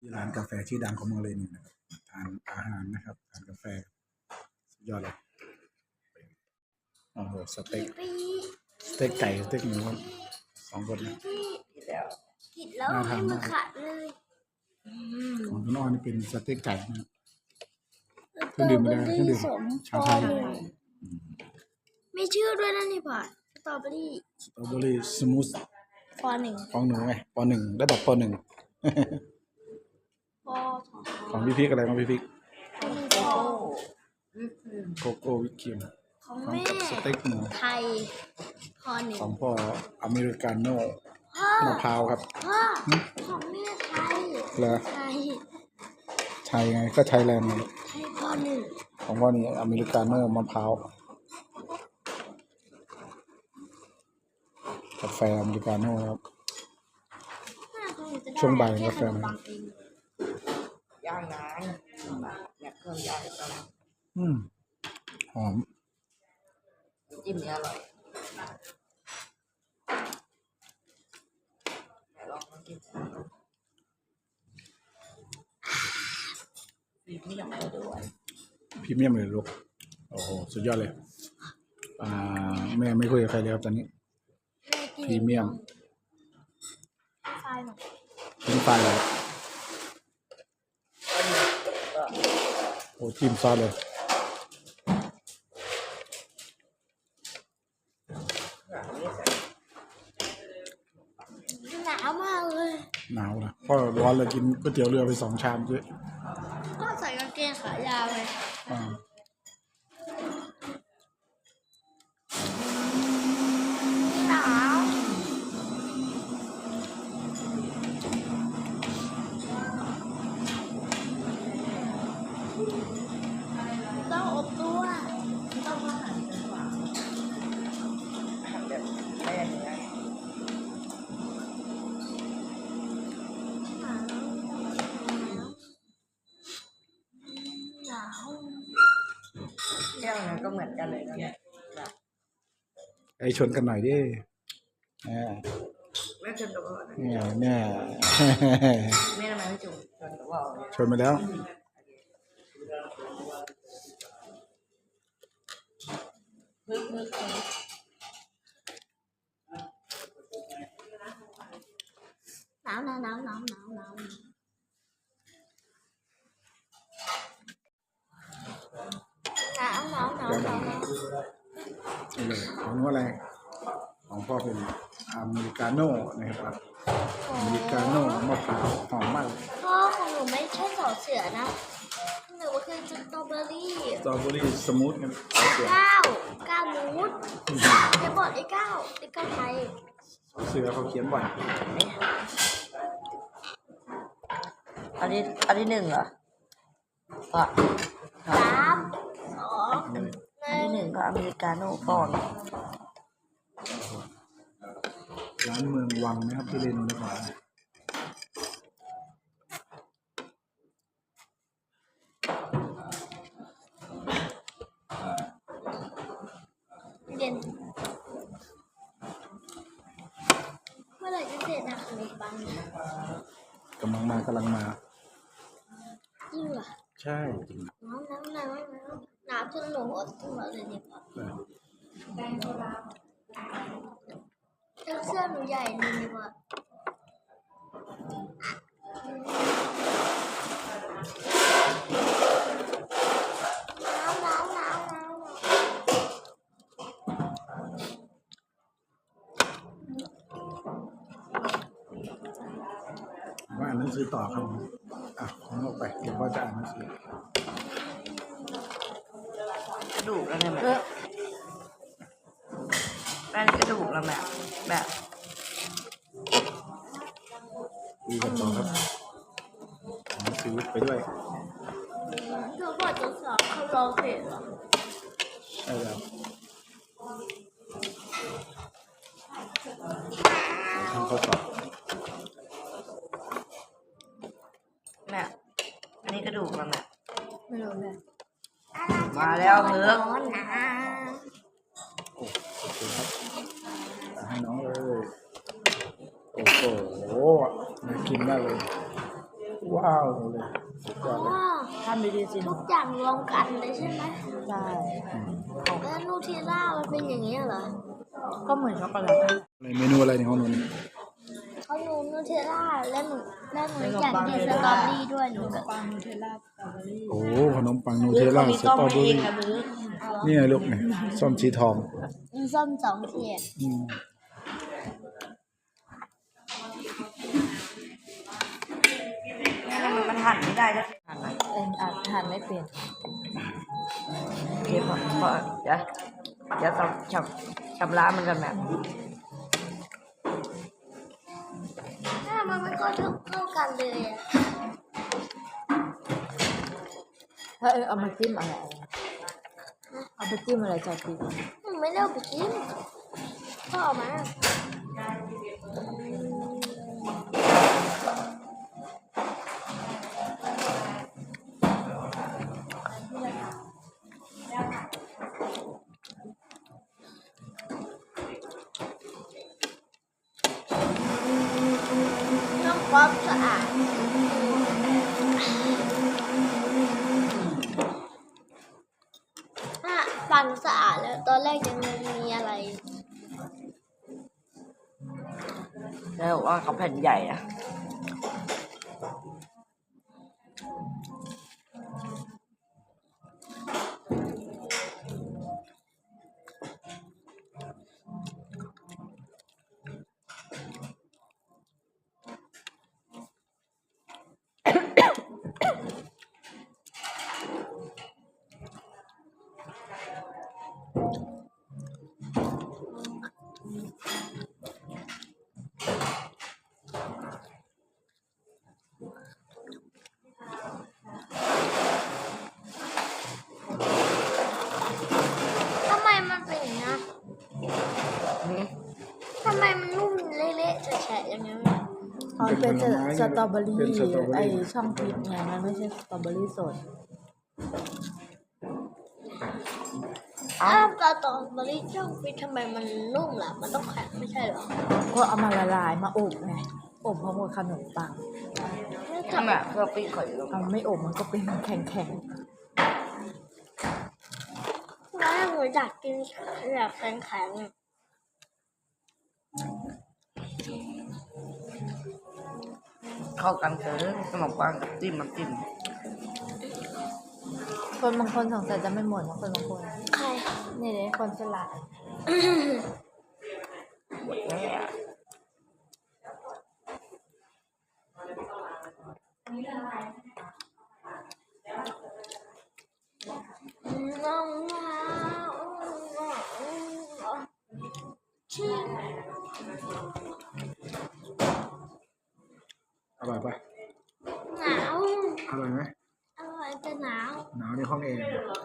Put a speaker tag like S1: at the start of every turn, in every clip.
S1: ที่ร้านกาแฟชื่อดังของเมืองเลยนี่นะครับทานอาหารนะครับทานกาแฟสุดยอดเลยโอ้โหสเต็กไก่สเต็กหมูสองคนนะ
S2: ผิดแล้วให้มันขาดเลย
S1: ของคุณอ้อนี่เป็นสเต็กไก่นะเครื่องดื่มไม่ได้เครื่องดื่มชาไทย
S2: ไม่ชื่อด้วยนะนี่ผ่านสตรอเบอรี่
S1: สมูท
S2: ปหนึ่ง
S1: ของหนูไงปหนึ่งระดับปหนึ่ง
S2: ปสอง
S1: ของพี่พิกอะไรของพี่พิก
S2: โก
S1: โกโก้วิปครีม
S2: ของแม่
S1: สเต็กหมู
S2: ไทยปหนึ่ง
S1: ของพ่ออเมริกาโน่มะพร้าวครับ
S2: พ่อของแม่ไทย
S1: เหรอไทยไงก็ไทยแลนด์ไง
S2: ไทยปหนึ่ง
S1: ของพ่อนี่อเมริกาโน่มะพร้าวกาแฟอเมริกาโน่ครับช่วงบ่ายกาแฟนะ
S3: ย่างน้ำเนี่ยเครื่องย่างก็
S1: หอม
S3: จิ้มเนี่ยอร่อยลองมากินพรีเมียมเลยด้วย
S1: พรีเมียมเลยลูกโอ้โหสุดยอดเลยแม่ไม่คุยกับใครเลยครับตอนนี้พรีเมียมเป็นไฟเลยโอ้จิ้มซอสเลย
S2: หนาวมากเลย
S1: หนาวนะพ่อร้อนเลยกินก๋วยเตี๋ยวเรือไป2 ชามด้วย
S2: ก็ใส่กางเกงขายาวเลยหนาวต้องอบตัว
S3: ต้องอาหารเป็นหวานอาหารแบบไม่อย่างนี้เรื่องนั้นก็เหมือนกันเลยนะเนี่ย
S1: ไอชนกันหน่อยดิ
S3: แม่ชนกับพ่อ
S1: เนี่ย
S3: แม่ทำไมไม่ชนกับพ่อ
S1: ชนไปแล้ว
S2: หนาว
S1: ของนู้นอะไรของพ่อเป็นอเมริกาโน่นะครับอเมริกาโน่มะพร้าวหอมมาก
S2: พ่อของหนูไม่ใช่สอเสือนะหนูคือสตรอเบอรี่
S1: สมูทกัน
S2: 9มูดจะบอกไอ้9ไทย
S1: เสือเขาเขียนบ่อย
S3: อันนี้1เหรอก็
S2: 3 2
S3: อันที่1ก็อเมริกาโน่ก่อน
S1: ร้านเมืองวังนะครับที่เล่นนะครับ
S2: เย็นเมื่อไหร่จะเสร็จนะขนมปัง
S1: กำลังมาจ
S2: ริงเหรอ
S1: ใช่
S2: น้ำจนหนูอดตัวเลยเนี่ยเสื้อหนูใหญ่เลยเนี่ยพ่อ
S1: ว่าอ่านหนังสือต่อครับของออกไปเดี๋ยวพ่อจะอ่านหนังสือก
S3: ระดูกแล้วเนี่ยแม่กระดูกแล้วแบบ
S1: ดูกันต่อครับหนังสือไปด้วย
S2: เธอบอกจะสอบเขาร้องเพลงเหรอ
S1: ใช่แล้วทำข้อสอบ
S3: แม่อันนี้กระดูกแล้วแม่
S2: ไม่รู้เลย
S3: มาแล้วเถอะ
S1: โอเคครับให้น้องเลยโอ้โหน่ากินมากเลยว้าวเลยสุดย
S2: อ๋
S1: อ
S2: อ
S1: ดเลย
S3: ทำดีๆสิ
S2: ทุกอย่างรวมกันเลยใช่ไหม
S3: ใช่
S2: แล้วนูเทลล่ามันเป็นอย่างนี้เหรอ
S3: ก็เหมือนช็อกโกแลต
S1: ในเมนูอะไรในห้องนู้น
S2: เขาหนูนูเทลล่าและหนูอยากกินสตรอเบอรี่ด้วยหนูก็
S3: ปังนูเทลล่าสตรอเบอรี่
S1: โอ้ขนมปังนูเทลล่าสตรอเบอรี่นี่ไงลูกเนี่ยส้มสีทอง
S2: ส้ม2 เทียน
S1: อืม
S3: มันหั่นไม่ได้นะหั่นไหมหั่นไม่เป็นโอเคพอเดี๋ยวชำระมันกันแบบ
S2: มันไม่ค่อยเข้ากันเลยอะ
S3: ถ้าเอามาจิ้มอะไรเอาไปจิ้มอะไรจอยปี
S2: หนูไม่ได้เอาไปกินก็เอามาต้องความสะอาดปั่นสะอาดแล้วตอนแรกยังมีอะไร
S3: แล้วว่าเขาแผ่นใหญ่อะ
S2: ทำไมมันเป็นอย่างนี้ทำไมมันนุ่มเละๆแฉะๆอย่างนี้
S3: มันเป็นสตรอเบอรี่ไอช่องพิษไงมันไม่ใช่สตรอเบอรี่สด
S2: อ้าวตอนบริช่องฟิตทำไมมันนุ่มล่ะ มันต้องแข็งไม่ใช่เหรอ
S3: ก็เอามาละลายมาอบไงอบพร้อมกับขนมปัง
S2: ทำไม
S3: เพื่อปิ้งข่อยเอาไม่อบมันก็เป็นแข็ง
S2: แล้วหนูอยากกินแบบแข็งๆอะ
S3: เข้ากันเกินขนมปังกับจิ้มน้ำจิ้มคนบางคนสงสัยจะไม่หมดนะคนบางคน
S2: ใคร
S3: นี่เลยคนฉลาดหมดแล้ว
S2: น้องชิม
S1: อร่อยปะ
S2: หนาว
S1: อร่อยไหม
S2: อร่อยแต่หนาว
S1: หนาวในห้องแอร์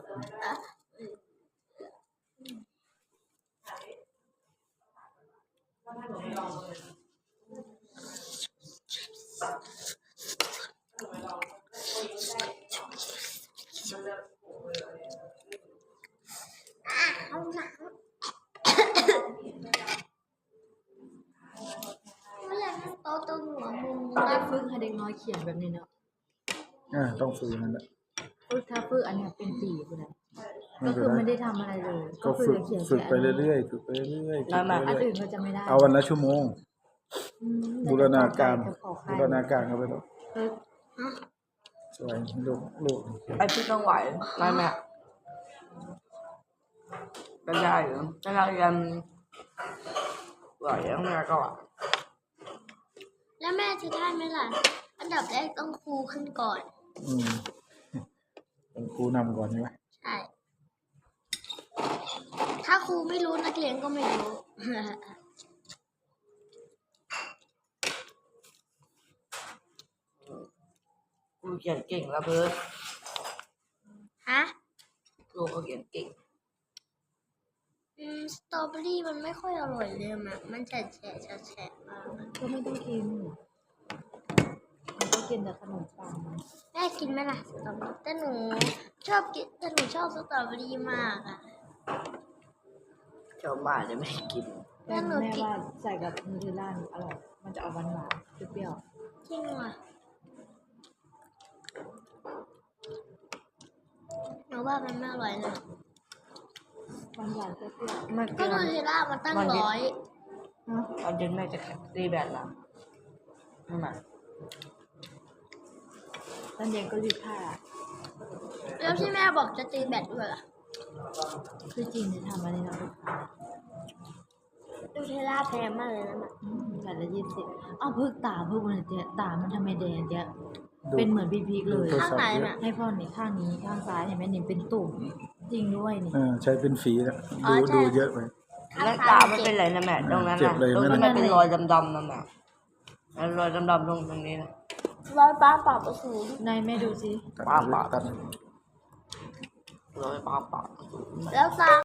S2: เอาหนาวไม่อยากให้โตตรงหัวมุม
S3: ถ้าฝึกให้เด็กน้อยเขียนแบบนี้เนาะ
S1: ต้องฝึกนั่นแหละ
S3: ฝึกถ้าฝึกอันเนี้ยเป็นปีไปเลย
S1: ไม่
S3: ก็
S1: เป็น
S3: คือ
S1: ไร
S3: ไม่ได้ทำอะไรเลย
S1: ก็ฝึก
S3: เขียน
S1: ฝึกไป
S3: แค่
S1: เรื่อยๆฝึกไปเรื่อยๆฝึกไป
S3: อัน
S1: เรื่อย
S3: อื่นก็จะไม่ได้
S1: ๆเอาวันละชั่วโมง บูรณาการ
S3: จะขอใคร
S1: บูรณาการกันไปแล้ว
S3: ฝึก
S1: สวยลูก
S3: ไอพี่ต้องไหวได้ไหมก็ได้เหรอถ้าเรายังไหวยังไงก็ไหว
S2: แล้วแม่จะได้ไหมล่ะ อันดับแรกต้องครูขึ้นก่อน
S1: อืมเป็นครูนำก่อนใช่ไหม
S2: ใช่ ถ้าครูไม่รู้นักเรียนก็ไม่รู้
S3: ครูเขียนเก่งแล้วเพื่อน
S2: ฮะ
S3: ครูเขาเขียนเก่ง
S2: สตรอเบอรี่มันไม่ค่อยอร่อยเลยมันแฉะมาก
S3: ก็ไม่ต้องกินมันก็กินแต่ขนมปัง
S2: แม่กินไหมล่ะสตรอเบอรี่แต่หนูชอบกินแต่หนูชอบสตรอเบอรี่มากอ่ะ
S3: ชาวบ้านจะไม่กิน
S2: แม่หนู
S3: แม่
S2: กิน
S3: ว่าใส่กับนูเทลล่าอร่อย มันจะออกหวานๆเปรี้ยว
S2: จริงว่ะว่ามันไม่อร่อยเลย
S3: หวานๆเปรี้ยวๆไม่
S2: ก็นูเทลล่ามันตั้งร้อย
S3: ตอนเย็นแม่จะตีแบตละนั่นแหละตอนเย็นก็รีดผ้า
S2: แล้วที่แม่บอกจะตีแบตด้วยล่ะ
S3: คือจริงจะทำอะไรนะ
S2: นูเทลล่าแพงมากเลยนะ
S3: แบตละ20อ้าวเพิ่งตาเพิ่งวันเนี้ยตามันทำไมแดงเนี้ยเป็นเหมือนพีกเลย
S2: ข้างไหนน่ะ
S3: ให้พ่อนี่ข้างนี้ข้างซ้ายเห็นไหมนี่เป็นตุ่มจริงด้วยนี่
S1: ใช้เป็นฝีนะ
S2: อ๋อใช่
S1: ดูเยอะไป
S3: แล้วตามันเป็นไรนะแม่ตรงนั้น
S1: เจ็บ
S3: น่ะ
S1: เลย
S3: ตรง
S1: นั่
S3: ที่
S1: น
S3: มัน
S1: น่ะ
S3: เป็นรอยดำๆนั่นแหละรอยดำๆตรงนี้นะ
S2: ร้อยป้าปรับอสูร
S3: นายแม่ดูสิ
S1: ตัด
S3: ปาก
S1: ตัด
S3: รอยปาก
S2: แล้วตา